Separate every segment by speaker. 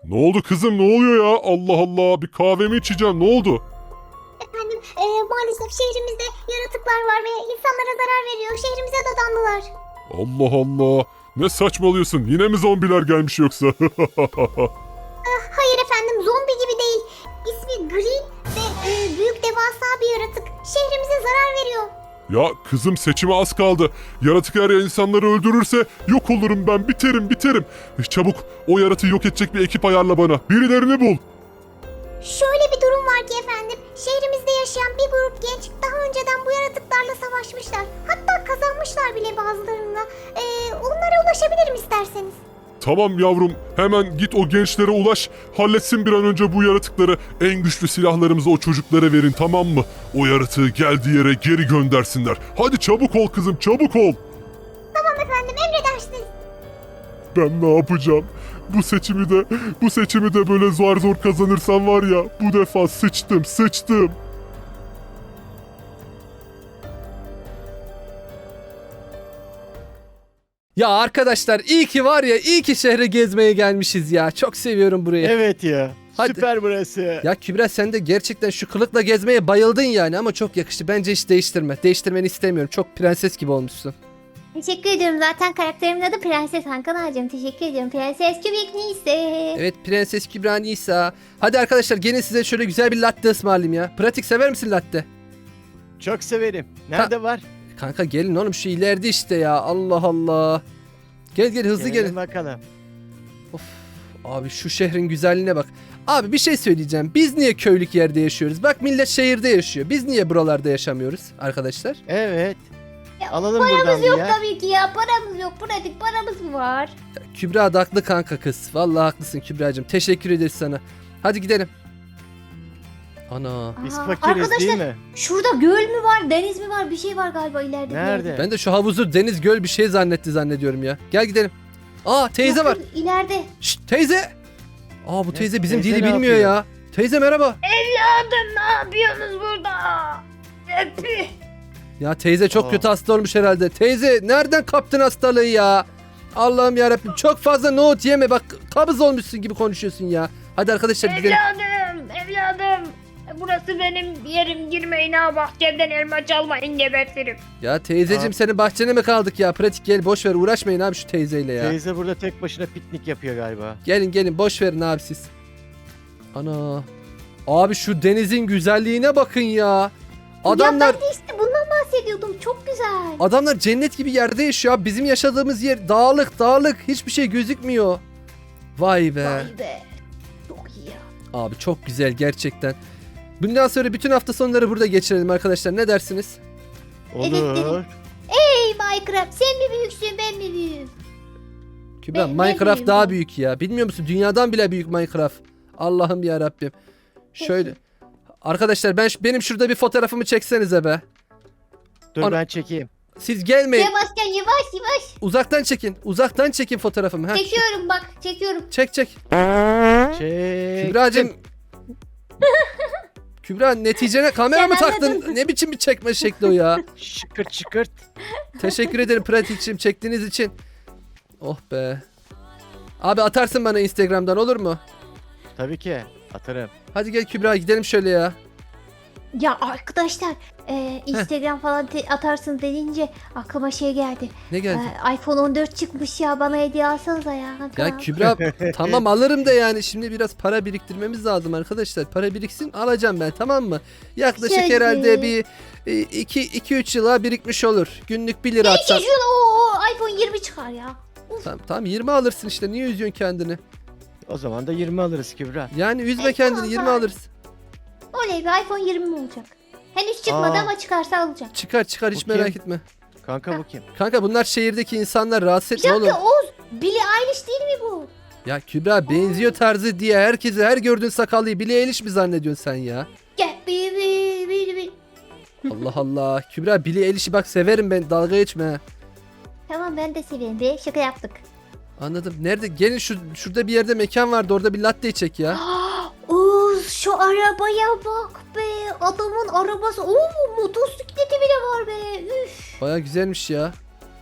Speaker 1: Ne oldu kızım, ne oluyor ya? Allah Allah, bir kahvemi içeceğim, ne oldu?
Speaker 2: Efendim maalesef şehrimizde yaratıklar var ve insanlara zarar veriyor. Şehrimize dadandılar.
Speaker 1: Allah Allah, ne saçmalıyorsun? Yine mi zombiler gelmiş yoksa?
Speaker 2: Hayır efendim, zombi gibi değil. İsmi Green ve büyük devasa bir yaratık. Şehrimize zarar veriyor.
Speaker 1: Ya kızım, seçime az kaldı. Yaratık eğer insanları öldürürse yok olurum ben, biterim. Çabuk o yaratığı yok edecek bir ekip ayarla bana. Birilerini bul.
Speaker 2: Şöyle bir durum var ki efendim. Şehrimizde yaşayan bir grup genç daha önceden bu yaratıklarla savaşmışlar. Hatta kazanmışlar bile bazılarına. Onlara ulaşabilirim isterseniz.
Speaker 1: Tamam yavrum, hemen git o gençlere ulaş, halletsin bir an önce bu yaratıkları. En güçlü silahlarımızı o çocuklara verin, tamam mı? O yaratığı geldiği yere geri göndersinler. Hadi çabuk ol kızım, çabuk ol.
Speaker 2: Tamam efendim, emredersiniz.
Speaker 1: Ben ne yapacağım? Bu seçimi de böyle zor kazanırsam var ya, bu defa sıçtım.
Speaker 3: Ya arkadaşlar iyi ki şehre gezmeye gelmişiz ya. Çok seviyorum burayı.
Speaker 4: Evet ya.
Speaker 3: Hadi.
Speaker 4: Süper burası.
Speaker 3: Ya Kübra, sen de gerçekten şu kılıkla gezmeye bayıldın yani, ama çok yakıştı. Bence hiç değiştirme. Değiştirmeni istemiyorum. Çok prenses gibi olmuşsun.
Speaker 2: Teşekkür ediyorum. Zaten karakterimin adı Prenses Hakan Ağacım. Teşekkür ediyorum. Prenses Kübik Nise.
Speaker 3: Evet, Prenses Kübra Nisa. Hadi arkadaşlar, gelin size şöyle güzel bir latte ısmarlayayım ya. Pratik, sever misin latte?
Speaker 4: Çok severim. Nerede var?
Speaker 3: Kanka gelin oğlum, şu ileride işte ya. Allah Allah. Gel hızlı
Speaker 4: Gelelim
Speaker 3: gelin.
Speaker 4: bakalım.
Speaker 3: Of, abi şu şehrin güzelliğine bak. Abi bir şey söyleyeceğim. Biz niye köylük yerde yaşıyoruz? Bak millet şehirde yaşıyor. Biz niye buralarda yaşamıyoruz arkadaşlar?
Speaker 4: Evet.
Speaker 2: Ya,
Speaker 4: Alalım buradan
Speaker 2: Paramız
Speaker 4: bir
Speaker 2: yok
Speaker 4: yer.
Speaker 2: tabii ki ya. Paramız yok. Pratik paramız mı var?
Speaker 3: Ya, Kübra da haklı kanka kız. Vallahi haklısın Kübra'cığım. Teşekkür ederiz sana. Hadi gidelim. Ana.
Speaker 4: Biz
Speaker 2: Aa,
Speaker 4: fakiriz
Speaker 2: arkadaşlar,
Speaker 4: değil mi?
Speaker 2: şurada göl mü var, deniz mi var? Bir şey var galiba ileride. bir
Speaker 4: Nerede?
Speaker 2: yerde.
Speaker 3: Ben de şu havuzu deniz göl bir şey zannediyorum ya. Gel gidelim. Aa, teyze
Speaker 2: Yok,
Speaker 3: var.
Speaker 2: yok, İleride.
Speaker 3: Şşt, teyze. Aa, bu
Speaker 4: Ne?
Speaker 3: teyze bizim
Speaker 4: Teyze
Speaker 3: dili
Speaker 4: ne
Speaker 3: bilmiyor
Speaker 4: yapıyor?
Speaker 3: ya. Teyze merhaba.
Speaker 2: Evladım, ne yapıyorsunuz burada? Öpü.
Speaker 3: Ya teyze çok
Speaker 4: Aa.
Speaker 3: kötü hasta olmuş herhalde. Teyze nereden kaptın hastalığı ya? Allah'ım yarabbim, çok fazla nohut yeme, bak kabız olmuşsun gibi konuşuyorsun ya. Hadi arkadaşlar gidelim.
Speaker 5: Evladım. Burası benim yerim, girmeyin ha, bahçemden elma çalmayın, gebertirim.
Speaker 3: Ya teyzeciğim,
Speaker 4: Aa.
Speaker 3: senin bahçene mi kaldık ya? Pratik, gel boş ver, uğraşmayın abi şu teyzeyle ya.
Speaker 4: Teyze burada tek başına piknik yapıyor galiba.
Speaker 3: Gelin boş verin abi siz. Ana. Abi şu denizin güzelliğine bakın ya. Adamlar
Speaker 2: Ya ben de işte bundan bahsediyordum. Çok güzel.
Speaker 3: adamlar cennet gibi yerde yaşıyor abi. Bizim yaşadığımız yer dağlık. Hiçbir şey gözükmüyor. Vay be.
Speaker 2: Vay be. Çok iyi ya.
Speaker 3: Abi çok güzel gerçekten. Bundan sonra bütün hafta sonları burada geçirelim arkadaşlar. Ne dersiniz?
Speaker 2: Evet,
Speaker 4: Olur.
Speaker 2: evet. Hey Minecraft, sen mi büyüksün, ben mi büyüğüm?
Speaker 3: Kübra,
Speaker 2: Ben
Speaker 3: Minecraft
Speaker 2: büyüğüm
Speaker 3: daha
Speaker 2: ya.
Speaker 3: büyük ya. Bilmiyor musun? Dünyadan bile büyük Minecraft. Allah'ım ya Rabbim. Şöyle. Arkadaşlar benim şurada bir fotoğrafımı çeksenize be.
Speaker 4: Dur
Speaker 3: Ana-
Speaker 4: ben çekeyim.
Speaker 3: Siz gelmeyin.
Speaker 2: Yavaşken yavaş.
Speaker 3: Uzaktan çekin fotoğrafımı. Heh,
Speaker 2: Çekiyorum bak, çekiyorum.
Speaker 3: çek.
Speaker 4: Çek.
Speaker 3: Kübra'cığım. Kübra, neticene kamera
Speaker 2: Sen
Speaker 3: mı taktın?
Speaker 2: anladın.
Speaker 3: Ne biçim bir çekme şekli o ya?
Speaker 4: Şıkırt.
Speaker 3: Teşekkür ederim pratikçim, çektiğiniz için. Oh be. Abi atarsın bana Instagram'dan, olur mu?
Speaker 4: Tabii ki. Atarım.
Speaker 3: Hadi gel Kübra, gidelim şöyle ya.
Speaker 2: Ya arkadaşlar, Instagram falan atarsın deyince aklıma şey geldi.
Speaker 3: Ne geldi?
Speaker 2: iPhone 14 çıkmış ya, bana hediye alsanıza ya.
Speaker 3: Ya Kübra, tamam alırım da yani şimdi biraz para biriktirmemiz lazım arkadaşlar. Para biriksin, alacağım ben, tamam mı? Yaklaşık
Speaker 2: Şöyle.
Speaker 3: herhalde bir 2-3 yıla birikmiş olur. Günlük 1 lira atsan.
Speaker 2: iPhone 20 çıkar ya.
Speaker 3: Tamam 20 alırsın işte, niye üzüyorsun kendini?
Speaker 4: O zaman da 20 alırız Kübra.
Speaker 3: Yani üzme
Speaker 2: E,
Speaker 3: kendini,
Speaker 2: tamam,
Speaker 3: 20
Speaker 2: tamam.
Speaker 3: alırız.
Speaker 2: Oley be, iPhone 20 mi olacak? Henüz çıkmadı
Speaker 4: Aa.
Speaker 2: ama çıkarsa alacağım.
Speaker 3: Çıkar hiç
Speaker 4: Bu kim?
Speaker 3: merak etme.
Speaker 4: Kanka bu kim?
Speaker 3: Kanka bunlar şehirdeki insanlar, rahatsız
Speaker 2: Bir
Speaker 3: etme oğlum.
Speaker 2: dakika Oğuz, Billie Eilish değil mi bu?
Speaker 3: Ya Kübra, benziyor tarzı diye herkese, her gördüğün sakallıyı Billie Eilish mi zannediyorsun sen ya?
Speaker 2: Gel bir.
Speaker 3: Allah Allah. Kübra, Billie Eilish'i bak severim ben, dalga geçme ha.
Speaker 2: Tamam, ben de severim be, şaka yaptık.
Speaker 3: Anladım. Nerede? Gelin şurada bir yerde mekan vardı, orada bir latte çek ya.
Speaker 2: Oğuz, şu arabaya bak be. Adamın arabası. Oo, motosikleti bile var be. Üf.
Speaker 3: Baya güzelmiş ya.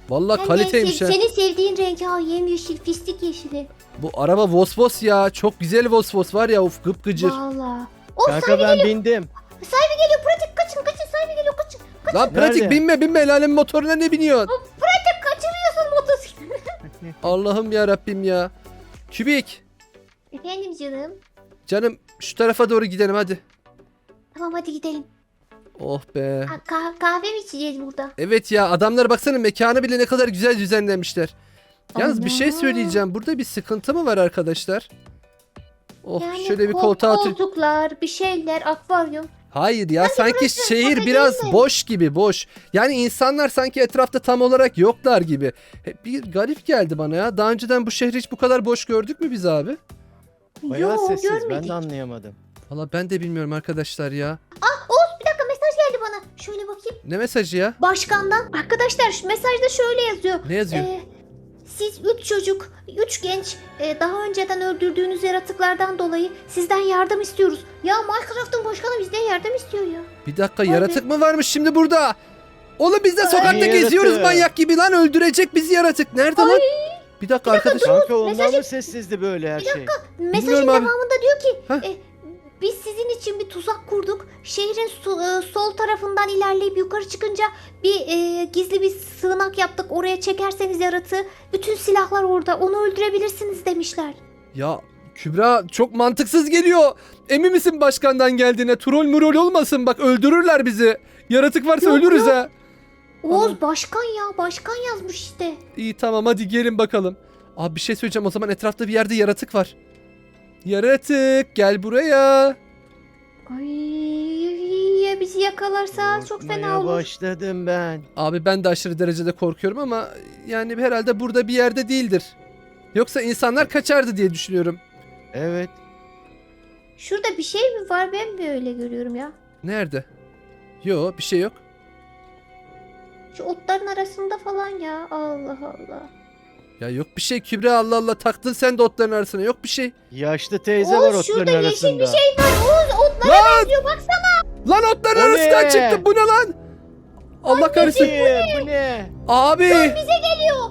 Speaker 3: Vallahi
Speaker 2: Hem de
Speaker 3: kaliteymiş ha.
Speaker 2: senin sevdiğin renk ha, yemyeşil, fistik yeşili.
Speaker 3: Bu araba Vosvos ya. Çok güzel Vosvos var ya. Of gıpgıcır.
Speaker 2: Valla. O
Speaker 4: Kanka ben bindim.
Speaker 2: sahibi geliyor, pratik kaçın, sahibi geliyor, kaçın.
Speaker 3: Lan pratik
Speaker 4: Nerede?
Speaker 3: binme el alemin motoruna ne biniyorsun?
Speaker 2: Pratik kaçırıyorsun motosikleti.
Speaker 3: Allah'ım ya Rabbim ya. Kübik.
Speaker 2: Efendim canım.
Speaker 3: Canım şu tarafa doğru gidelim hadi.
Speaker 2: Tamam hadi gidelim.
Speaker 3: Oh be.
Speaker 2: Ha, kahve mi içeceğiz burada?
Speaker 3: Evet ya adamlar baksana mekanı bile ne kadar güzel düzenlemişler. Yalnız bir şey
Speaker 2: Ana.
Speaker 3: söyleyeceğim. Burada bir sıkıntı mı var arkadaşlar? Oh
Speaker 2: Yani
Speaker 3: şöyle bir koltuğa otur.
Speaker 2: koltuklar, bir şeyler, akvaryum.
Speaker 3: Hayır ya sanki
Speaker 2: burası
Speaker 3: şehir
Speaker 2: kafe
Speaker 3: biraz
Speaker 2: değil mi?
Speaker 3: boş gibi boş. Yani insanlar sanki etrafta tam olarak yoklar gibi. Bir garip geldi bana ya. Daha önceden bu şehri hiç bu kadar boş gördük mü biz abi?
Speaker 4: Bayağı
Speaker 2: Yo,
Speaker 4: sessiz. Ben
Speaker 2: görmedik.
Speaker 4: de anlayamadım.
Speaker 3: Valla ben de bilmiyorum arkadaşlar ya.
Speaker 2: Oğuz bir dakika, mesaj geldi bana. Şöyle bakayım.
Speaker 3: Ne mesajı ya?
Speaker 2: Başkandan. Arkadaşlar şu mesajda şöyle yazıyor.
Speaker 3: Ne yazıyor?
Speaker 2: Siz 3 çocuk, 3 genç daha önceden öldürdüğünüz yaratıklardan dolayı sizden yardım istiyoruz. Ya Minecraft'ın başkanı bizden yardım istiyor ya.
Speaker 3: Bir dakika yaratık mı varmış şimdi burada? Oğlum biz de sokakta
Speaker 4: Ne
Speaker 3: geziyoruz
Speaker 4: yaratığı?
Speaker 3: manyak gibi lan öldürecek bizi yaratık. Nerede lan? Bir dakika arkadaş.
Speaker 4: Kanka ondan
Speaker 2: mesajı-
Speaker 4: mı sessizdi böyle her şey?
Speaker 2: Mesajın
Speaker 3: Bilmiyorum abi.
Speaker 2: devamında diyor ki
Speaker 3: Heh.
Speaker 2: biz sizin için bir tuzak kurduk. Şehrin sol tarafından ilerleyip yukarı çıkınca bir gizli bir sığınak yaptık. Oraya çekerseniz yaratığı bütün silahlar orada. Onu öldürebilirsiniz demişler.
Speaker 3: Ya Kübra çok mantıksız geliyor. Emin misin başkandan geldiğine? Troll murol olmasın bak öldürürler bizi. Yaratık varsa
Speaker 2: Yok,
Speaker 3: ölürüz
Speaker 2: yok.
Speaker 3: ha.
Speaker 2: Oğuz başkan ya, başkan yazmış işte.
Speaker 3: İyi tamam hadi gelin bakalım. Abi bir şey söyleyeceğim o zaman etrafta bir yerde yaratık var. Yaratık gel buraya.
Speaker 2: Ay ya bizi yakalarsa çok fena
Speaker 4: Korkmaya
Speaker 2: olur.
Speaker 4: başladım ben.
Speaker 3: Abi ben de aşırı derecede korkuyorum ama yani herhalde burada bir yerde değildir. Yoksa insanlar kaçardı diye düşünüyorum.
Speaker 4: Evet.
Speaker 2: Şurada bir şey mi var, ben mi öyle görüyorum ya?
Speaker 3: Nerede? Yo bir şey yok.
Speaker 2: Şu otların arasında falan ya. Allah Allah.
Speaker 3: Ya yok bir şey Kübra Allah Allah taktın sen de otların arasına yok bir şey.
Speaker 4: Yaşlı teyze var
Speaker 2: Oğuz şurada
Speaker 4: otların
Speaker 2: yeşil
Speaker 4: arasında.
Speaker 2: bir şey var. Oğuz otlara
Speaker 3: Lan!
Speaker 2: benziyor baksana.
Speaker 3: Lan otların
Speaker 4: O
Speaker 3: arasından
Speaker 4: ne?
Speaker 3: çıktı bu ne lan? Allah kahretsin.
Speaker 4: Bu ne?
Speaker 3: Abi.
Speaker 2: Bize geliyor.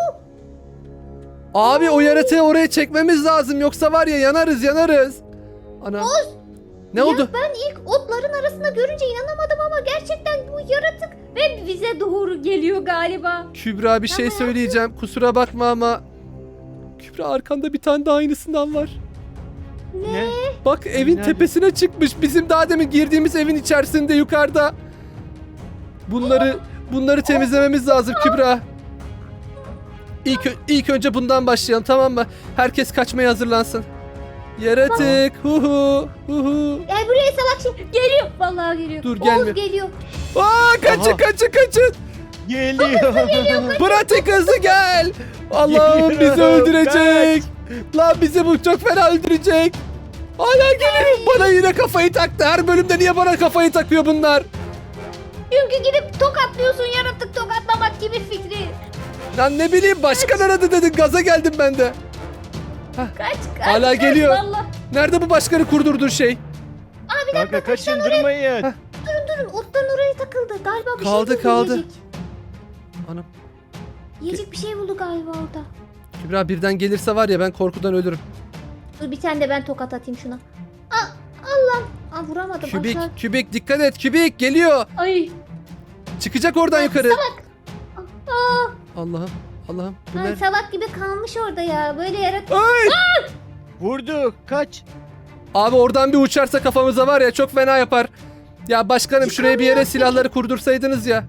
Speaker 3: Abi o yaratığı oraya çekmemiz lazım yoksa var ya yanarız. Ana. Ne
Speaker 2: Ya
Speaker 3: oldu?
Speaker 2: ben ilk otların arasında görünce inanamadım ama gerçekten bu yaratık ve bize doğru geliyor galiba.
Speaker 3: Kübra bir şey söyleyeceğim. Kusura bakma ama Kübra arkanda bir tane daha aynısından var.
Speaker 4: Ne?
Speaker 3: Bak evin
Speaker 4: Nerede?
Speaker 3: tepesine çıkmış. Bizim daha demin girdiğimiz evin içerisinde yukarıda. Bunları temizlememiz lazım Kübra. İlk önce bundan başlayalım tamam mı? Herkes kaçmaya hazırlansın. Yaratık. Huhu. Huhu.
Speaker 2: Gel buraya salak şey. Geliyor. Vallahi geliyor.
Speaker 3: Dur,
Speaker 2: Oğuz
Speaker 3: gelmiyor.
Speaker 2: geliyor.
Speaker 3: Aa kaçın
Speaker 4: Aha.
Speaker 3: kaçın.
Speaker 4: Geliyor.
Speaker 3: Pratik hızlı gel. Allah'ım bizi
Speaker 4: Geliyorum,
Speaker 3: öldürecek. Lan bizi bu çok fena öldürecek. Hala geliyor. Bana yine kafayı taktı. Her bölümde niye bana kafayı takıyor bunlar?
Speaker 2: Çünkü gidip tokatlıyorsun, yaratık tokatlamak gibi fikri.
Speaker 3: Lan ne bileyim başkan aradı dedin. Gaza geldim ben de.
Speaker 2: Kaç.
Speaker 3: Hala geliyor.
Speaker 2: Vallahi.
Speaker 3: Nerede bu başkanı kurdurduğun şey?
Speaker 4: Kanka kaçındırmayın.
Speaker 2: Durun otların oraya takıldı. Galiba bir
Speaker 3: Kaldı,
Speaker 2: şey buldu
Speaker 3: kaldı.
Speaker 2: yiyecek.
Speaker 3: Anam.
Speaker 2: Yiyecek bir şey buldu galiba orada.
Speaker 3: Kübra birden gelirse var ya ben korkudan ölürüm.
Speaker 2: Dur bir tane de ben tokat atayım şuna. Allah. Vuramadım.
Speaker 3: Kübik,
Speaker 2: Aşağı.
Speaker 3: kübik dikkat et. Kübik geliyor.
Speaker 2: Ay.
Speaker 3: Çıkacak oradan yukarı.
Speaker 2: Aa,
Speaker 3: Allah'ım. Allah'ım. Bu
Speaker 2: ay,
Speaker 3: ne?
Speaker 2: salak gibi kalmış orada ya. Böyle yaratık.
Speaker 3: Ay!
Speaker 4: Vurduk. Kaç.
Speaker 3: Abi oradan bir uçarsa kafamıza var ya çok fena yapar. Ya başkanım şuraya bir yere silahları kurdursaydınız ya.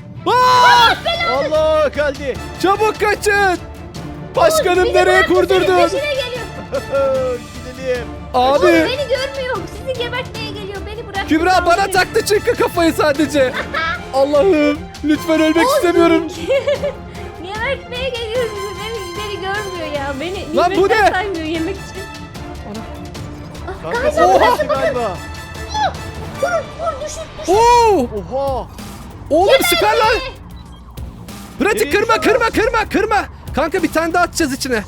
Speaker 4: Allah geldi.
Speaker 3: Çabuk kaçın. Başkanım
Speaker 2: Bizi
Speaker 3: nereye
Speaker 2: bıraktı,
Speaker 3: kurdurdun?
Speaker 2: senin peşine geliyor.
Speaker 4: Gidelim.
Speaker 3: Abi
Speaker 2: Beni görmüyor. Sizi gebertmeye geliyor. Beni bırak.
Speaker 3: Kübra bana taktı çünkü kafayı sadece. Allah'ım lütfen ölmek istemiyorum.
Speaker 2: Gebertmeye geliyor sizi. Beni görmüyor ya. Beni
Speaker 3: Lan bu
Speaker 2: nimetten
Speaker 3: ne?
Speaker 2: saymıyor yemek için.
Speaker 4: Kanka
Speaker 2: Galiba
Speaker 4: sen
Speaker 3: Oha.
Speaker 4: öldün galiba.
Speaker 2: Vur düşür.
Speaker 3: Oo!
Speaker 4: Oha.
Speaker 3: Oğlum süper lan. Pratik
Speaker 4: Nereye
Speaker 3: kırma. Kanka bir tane daha atacağız içine.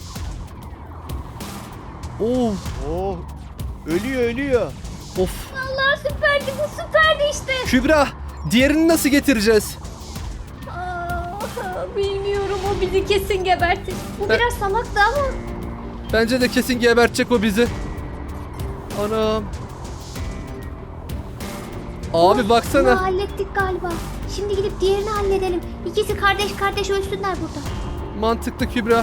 Speaker 3: Oo.
Speaker 4: Oh. Ölüyor.
Speaker 3: Of.
Speaker 2: Allah süperdi, bu süperdi işte.
Speaker 3: Kübra diğerini nasıl getireceğiz?
Speaker 6: Bilmiyorum, o bizi kesin gebertir. Bu
Speaker 3: Ben-
Speaker 6: biraz salaktı ama.
Speaker 3: Bence de kesin gebertecek o bizi. Anam. Abi
Speaker 6: Bunu
Speaker 3: baksana.
Speaker 6: hallettik galiba. Şimdi gidip diğerini halledelim. İkisi kardeş kardeş ölsünler burada.
Speaker 3: Mantıklı Kübra.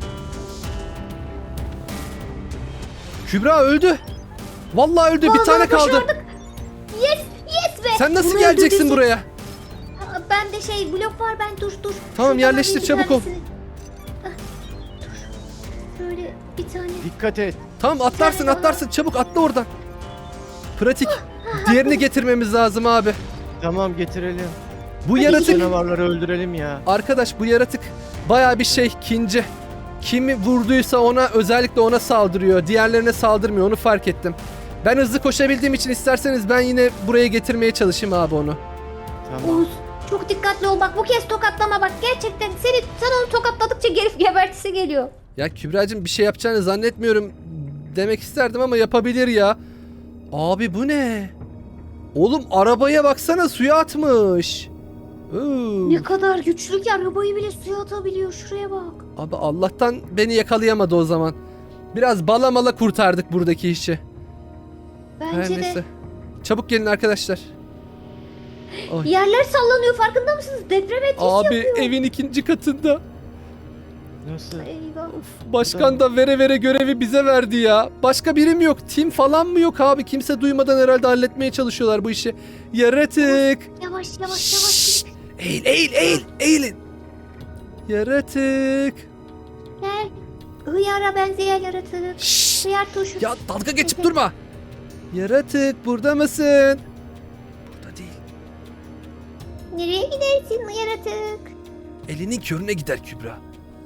Speaker 3: Kübra öldü. Vallahi öldü. Bir
Speaker 6: Vallahi
Speaker 3: tane kaldı.
Speaker 6: başardık. Yes, yes be.
Speaker 3: Sen nasıl
Speaker 6: Bunu
Speaker 3: geleceksin
Speaker 6: öldürdüysek-
Speaker 3: buraya?
Speaker 6: Aa, ben de blok var, ben dur.
Speaker 3: Tamam,
Speaker 6: Şuradan
Speaker 3: yerleştir,
Speaker 6: alayım bir
Speaker 3: çabuk ol.
Speaker 6: tanesini. Ah, dur. Böyle bir tane.
Speaker 4: Dikkat et.
Speaker 3: Tamam, atlarsın
Speaker 6: tane daha.
Speaker 3: atlarsın. Çabuk atla oradan. Pratik. Diğerini getirmemiz lazım abi.
Speaker 4: Tamam getirelim.
Speaker 3: Bu
Speaker 4: Şu
Speaker 3: yaratık,
Speaker 4: canavarları öldürelim ya.
Speaker 3: arkadaş bu yaratık bayağı bir şey, kinci. Kimi vurduysa ona, özellikle ona saldırıyor. Diğerlerine saldırmıyor, onu fark ettim. Ben hızlı koşabildiğim için isterseniz ben yine buraya getirmeye çalışayım abi onu.
Speaker 4: Tamam.
Speaker 6: Oğuz, çok dikkatli ol bak, bu kez tokatlama bak. Gerçekten sen onu tokatladıkça gerif gebertisi geliyor.
Speaker 3: Ya Kübra'cığım, bir şey yapacağını zannetmiyorum demek isterdim ama yapabilir ya. Abi bu ne? Oğlum arabaya baksana, suya atmış. Oo.
Speaker 6: Ne kadar güçlü ki, arabayı bile suya atabiliyor, şuraya bak.
Speaker 3: Abi Allah'tan beni yakalayamadı o zaman. Biraz bala mala kurtardık buradaki işi. Her
Speaker 6: Bence
Speaker 3: neyse.
Speaker 6: de.
Speaker 3: Çabuk gelin arkadaşlar. Ay.
Speaker 6: Yerler sallanıyor, farkında mısınız? Deprem etkisi
Speaker 3: Abi
Speaker 6: yapıyor.
Speaker 3: evin ikinci katında.
Speaker 4: Nasıl?
Speaker 6: Eyvah.
Speaker 3: Başkan da vere vere görevi bize verdi ya. Başka birim yok. Tim falan mı yok abi? Kimse duymadan herhalde halletmeye çalışıyorlar bu işi. Yaratık.
Speaker 6: Yavaş yavaş
Speaker 3: Şşş.
Speaker 6: yavaş.
Speaker 3: Eğil eğil eğil eğilin. Yaratık.
Speaker 6: Gel. Hıyara benzeyen yaratık.
Speaker 3: Şşş.
Speaker 6: Hıyar turşu.
Speaker 3: Ya dalga geçip durma. Yaratık burada mısın? Burada değil.
Speaker 6: Nereye gidersin yaratık?
Speaker 3: Elinin körüne gider Kübra.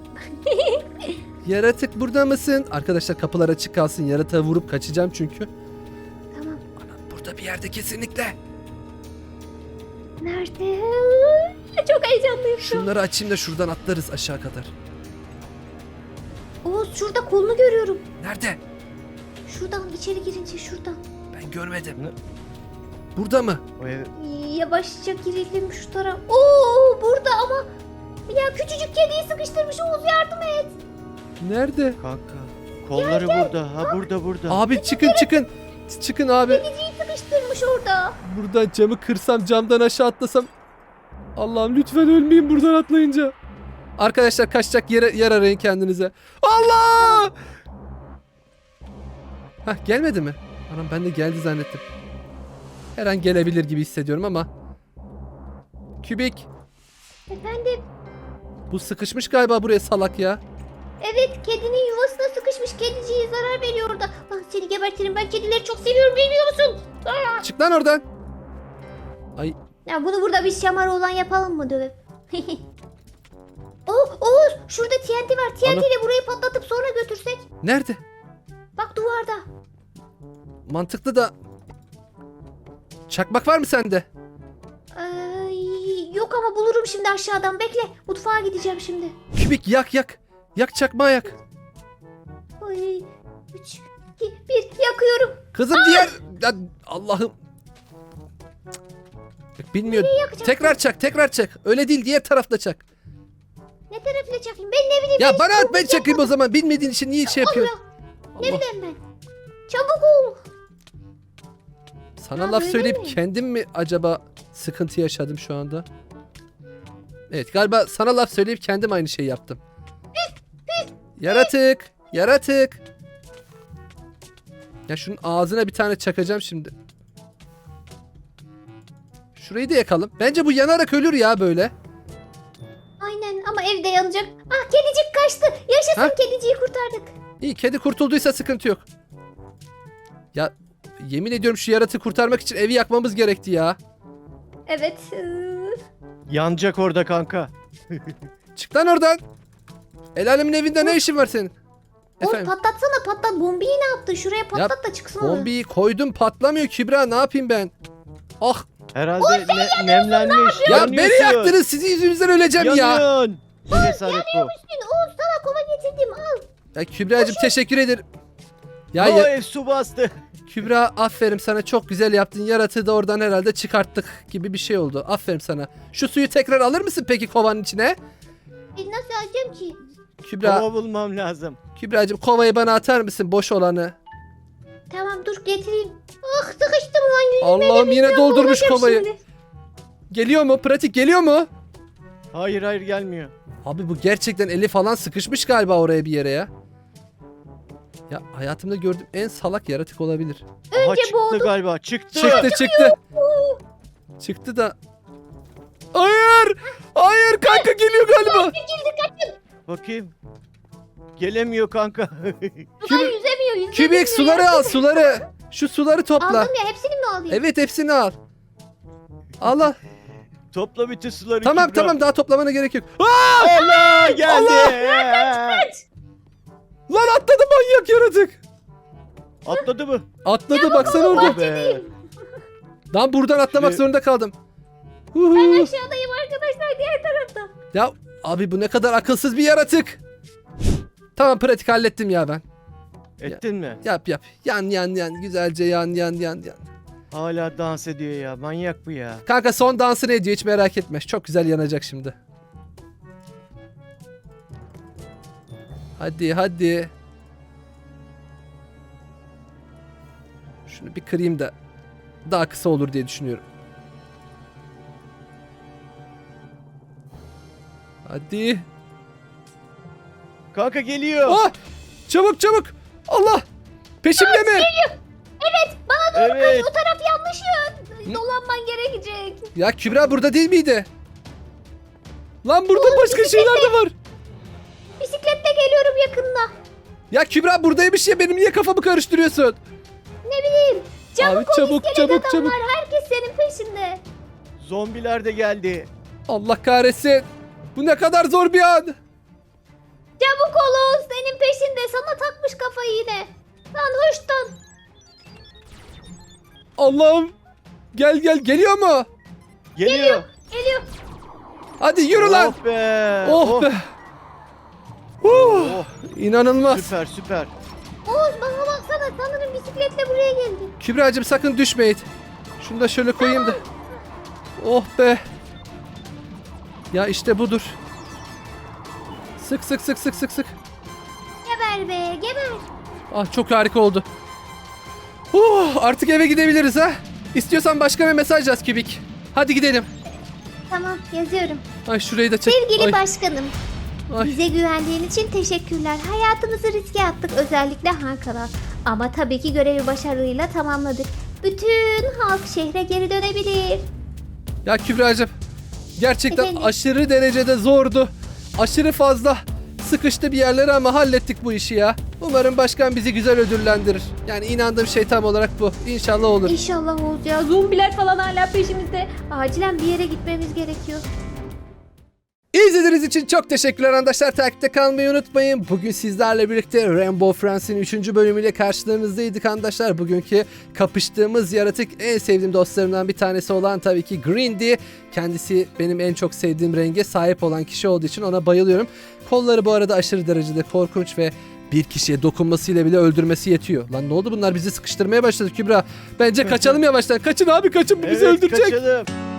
Speaker 3: Yaratık burada mısın? Arkadaşlar kapılar açık kalsın. Yaratığa vurup kaçacağım çünkü.
Speaker 6: Tamam.
Speaker 3: Anam burada bir yerde kesinlikle.
Speaker 6: Nerede? Çok heyecanlıyım şu an.
Speaker 3: Şunları açayım da şuradan atlarız aşağı kadar.
Speaker 6: Oğuz, şurada kolunu görüyorum.
Speaker 3: Nerede?
Speaker 6: Şuradan içeri girince şuradan.
Speaker 3: Ben görmedim.
Speaker 4: Ne?
Speaker 3: Burada mı?
Speaker 4: O ev...
Speaker 6: Yavaşça girelim şu taraf. Oo, burada ama ya küçücük kediyi sıkıştırmış. Oğuz, yardım et.
Speaker 3: Nerede?
Speaker 4: Kanka. Kolları burada. Ha burada.
Speaker 3: Abi çıkın çıkın. Çıkın abi.
Speaker 6: Kediciyi sıkıştırmış orada.
Speaker 3: Buradan camı kırsam, camdan aşağı atlasam. Allah'ım lütfen ölmeyin buradan atlayınca. Arkadaşlar kaçacak yer arayın kendinize. Allah! Hah, gelmedi mi? Anam ben de geldi zannettim. Her an gelebilir gibi hissediyorum ama. Kübik.
Speaker 6: Efendim?
Speaker 3: Bu sıkışmış galiba buraya, salak ya.
Speaker 6: Evet, kedinin yuvasına sıkışmış. Kediciye zarar veriyor orada. Lan seni gebertirim. Ben kedileri çok seviyorum, bilmiyor musun? Aa!
Speaker 3: Çık lan oradan. Ay
Speaker 6: Ya bunu burada bir şamarı olan yapalım mı dövüp? Oğuz, şurada TNT var. TNT
Speaker 3: Ana.
Speaker 6: ile burayı patlatıp sonra götürsek.
Speaker 3: nerede?
Speaker 6: Bak duvarda.
Speaker 3: Mantıklı da. Çakmak var mı sende?
Speaker 6: Yok ama bulurum şimdi aşağıdan. Bekle. Mutfağa gideceğim şimdi.
Speaker 3: Kübik yak yak. Yak çakmağı yak.
Speaker 6: Ay, 3, 2, 1 yakıyorum.
Speaker 3: Kızım diğer... Ya Allah'ım. Cık. Bilmiyorum.
Speaker 6: yakacağım?
Speaker 3: Tekrar çak. Öyle değil, diğer tarafta çak.
Speaker 6: Ne tarafıyla çakayım? Ben ne bileyim.
Speaker 3: Ya
Speaker 6: ben
Speaker 3: bana
Speaker 6: hiç
Speaker 3: at, ben çakayım o zaman. Bilmediğin için niye şey
Speaker 6: Allah.
Speaker 3: yapıyorsun?
Speaker 6: Ne
Speaker 3: Allah.
Speaker 6: bileyim ben. Çabuk ol.
Speaker 3: Sana
Speaker 6: Ya
Speaker 3: laf
Speaker 6: böyle
Speaker 3: söyleyip
Speaker 6: mi?
Speaker 3: kendim mi acaba sıkıntı yaşadım şu anda? Evet, galiba sana laf söyleyip kendim aynı şeyi yaptım. Yaratık. Ya şunun ağzına bir tane çakacağım şimdi. Şurayı da yakalım. Bence bu yanarak ölür ya böyle.
Speaker 6: Aynen ama evde yanacak. Ah, kedicik kaçtı. Yaşasın,
Speaker 3: Ha?
Speaker 6: kediciyi kurtardık.
Speaker 3: İyi, kedi kurtulduysa sıkıntı yok. Ya yemin ediyorum şu yaratığı kurtarmak için evi yakmamız gerekti ya.
Speaker 6: Evet.
Speaker 4: Yanacak orada kanka.
Speaker 3: Çık lan oradan. El alemin evinde ne işin var senin?
Speaker 6: Oğuz,
Speaker 3: Efendim?
Speaker 6: patlatsana, patlat. Bombiyi ne yaptın? Şuraya patlat da çıksın. o.
Speaker 3: Bombiyi koydum, patlamıyor Kübra, ne yapayım ben? Ah
Speaker 4: Herhalde nemlenmiş.
Speaker 3: ya
Speaker 4: Yanıyorsun.
Speaker 3: beni yaktınız, sizin yüzünüzden öleceğim ya.
Speaker 4: Yanıyorsun. Bu cesaret bu.
Speaker 6: Oğuz, sana kova getirdim, al.
Speaker 3: Ya Kübra'cığım teşekkür ederim. Ya,
Speaker 4: O
Speaker 3: ya
Speaker 4: ev su bastı.
Speaker 3: Kübra, aferin sana, çok güzel yaptın. Yaratığı da oradan herhalde çıkarttık gibi bir şey oldu. Aferin sana. Şu suyu tekrar alır mısın peki kovanın içine?
Speaker 6: Nasıl alacağım ki?
Speaker 3: Kübra,
Speaker 4: Kova bulmam lazım.
Speaker 3: Kübra'cığım kovayı bana atar mısın? Boş olanı.
Speaker 6: Tamam dur getireyim. Ah sıkıştım lan yüzüme.
Speaker 3: Allah'ım yine doldurmuş
Speaker 6: Olacak
Speaker 3: kovayı.
Speaker 6: şimdi.
Speaker 3: Geliyor mu? Pratik geliyor mu?
Speaker 4: Hayır hayır gelmiyor.
Speaker 3: Abi bu gerçekten eli falan sıkışmış galiba oraya bir yere ya. Ya hayatımda gördüğüm en salak yaratık olabilir.
Speaker 4: Aha
Speaker 6: Önce
Speaker 4: çıktı
Speaker 6: boğdum.
Speaker 4: galiba. Çıktı.
Speaker 3: Çıktı. Çıktı da. Hayır! Hayır kanka geliyor galiba.
Speaker 4: Bakayım. Gelemiyor kanka.
Speaker 6: Sular yüzemiyor.
Speaker 3: Kübik suları al suları. Şu suları topla.
Speaker 6: Aldım ya hepsini mi alayım?
Speaker 3: Evet hepsini al. Allah.
Speaker 4: Topla bütün suları.
Speaker 3: Tamam
Speaker 4: Kübra.
Speaker 3: tamam daha toplamana gerek yok.
Speaker 4: Allah geldi.
Speaker 3: Lan atladı manyak yaratık.
Speaker 4: Atladı mı?
Speaker 3: Atladı baksana orada.
Speaker 4: Be.
Speaker 3: Lan buradan atlamak
Speaker 4: Şimdi-
Speaker 3: zorunda kaldım.
Speaker 6: Ben
Speaker 3: Huhu.
Speaker 6: aşağıdayım arkadaşlar diğer tarafta.
Speaker 3: Ya abi bu ne kadar akılsız bir yaratık. Tamam pratik hallettim ya ben.
Speaker 4: Ettin mi?
Speaker 3: Yap yap. Yan güzelce yan.
Speaker 4: Hala dans ediyor ya. Manyak bu ya.
Speaker 3: Kanka son dansını ediyor hiç merak etme. Çok güzel yanacak şimdi. Hadi. Şunu bir kırayım da daha kısa olur diye düşünüyorum. Hadi.
Speaker 4: Kanka geliyor.
Speaker 3: Ah! Çabuk. Allah! Peşimde mi?
Speaker 4: Evet.
Speaker 6: O taraf yanlış ya. Dolanman gerekecek.
Speaker 3: Ya Kübra burada değil miydi? Lan burada başka şeyler de var.
Speaker 6: Bisikletle geliyorum yakında.
Speaker 3: Ya Kübra buradaymış ya benim niye kafamı karıştırıyorsun?
Speaker 6: Ne bileyim. Çabuk
Speaker 3: Abi,
Speaker 6: ol
Speaker 3: çabuk,
Speaker 6: iskelet
Speaker 3: çabuk.
Speaker 6: adamlar. Herkes senin peşinde.
Speaker 4: Zombiler de geldi.
Speaker 3: Allah kahretsin. Bu ne kadar zor bir an.
Speaker 6: Çabuk ol Oğuz senin peşinde. Sana takmış kafayı yine. Lan hoştan.
Speaker 3: Allah'ım. Gel geliyor mu?
Speaker 4: Geliyor.
Speaker 6: Geliyor.
Speaker 3: Hadi yürü lan.
Speaker 4: Oh be.
Speaker 3: Oh be.
Speaker 4: Oh.
Speaker 3: İnanılmaz.
Speaker 4: Süper.
Speaker 6: Oğuz bana baksana sanırım bisikletle buraya geldi.
Speaker 3: Kübra'cığım sakın düşmeyin. Şunu da şöyle koyayım da. Oh be. Ya işte budur. Sık.
Speaker 6: Geber be geber.
Speaker 3: Ah çok harika oldu. Artık eve gidebiliriz ha. İstiyorsan başka bir mesaj yaz Kübik. Hadi gidelim.
Speaker 6: Tamam yazıyorum.
Speaker 3: Ay şurayı da çek.
Speaker 6: Sevgili
Speaker 3: Ay,
Speaker 6: başkanım.
Speaker 3: ay.
Speaker 6: Bize güvendiğin için teşekkürler. Hayatımızı riske attık özellikle Hakan'a. Ama tabii ki görevi başarıyla tamamladık. Bütün halk şehre geri dönebilir.
Speaker 3: Ya Kübra'cığım gerçekten
Speaker 6: Efendim?
Speaker 3: aşırı derecede zordu. Aşırı fazla sıkıştı bir yerlere ama hallettik bu işi ya. Umarım başkan bizi güzel ödüllendirir. Yani inandığım şey tam olarak bu. İnşallah olur.
Speaker 6: İnşallah Oğuz ya. Zombiler falan hala peşimizde. Acilen bir yere gitmemiz gerekiyor.
Speaker 3: İzlediğiniz için çok teşekkürler arkadaşlar. Takipte kalmayı unutmayın. Bugün sizlerle birlikte Rainbow Friends'in 3. bölümüyle karşılarınızdaydık arkadaşlar. Bugünkü kapıştığımız yaratık en sevdiğim dostlarımdan bir tanesi olan tabii ki Grindy. Kendisi benim en çok sevdiğim renge sahip olan kişi olduğu için ona bayılıyorum. Kolları bu arada aşırı derecede korkunç ve bir kişiye dokunmasıyla bile öldürmesi yetiyor. Lan ne oldu bunlar bizi sıkıştırmaya başladı Kübra. Bence kaçalım yavaştan. Kaçın abi kaçın bu bizi
Speaker 4: Evet,
Speaker 3: öldürecek.
Speaker 4: kaçalım.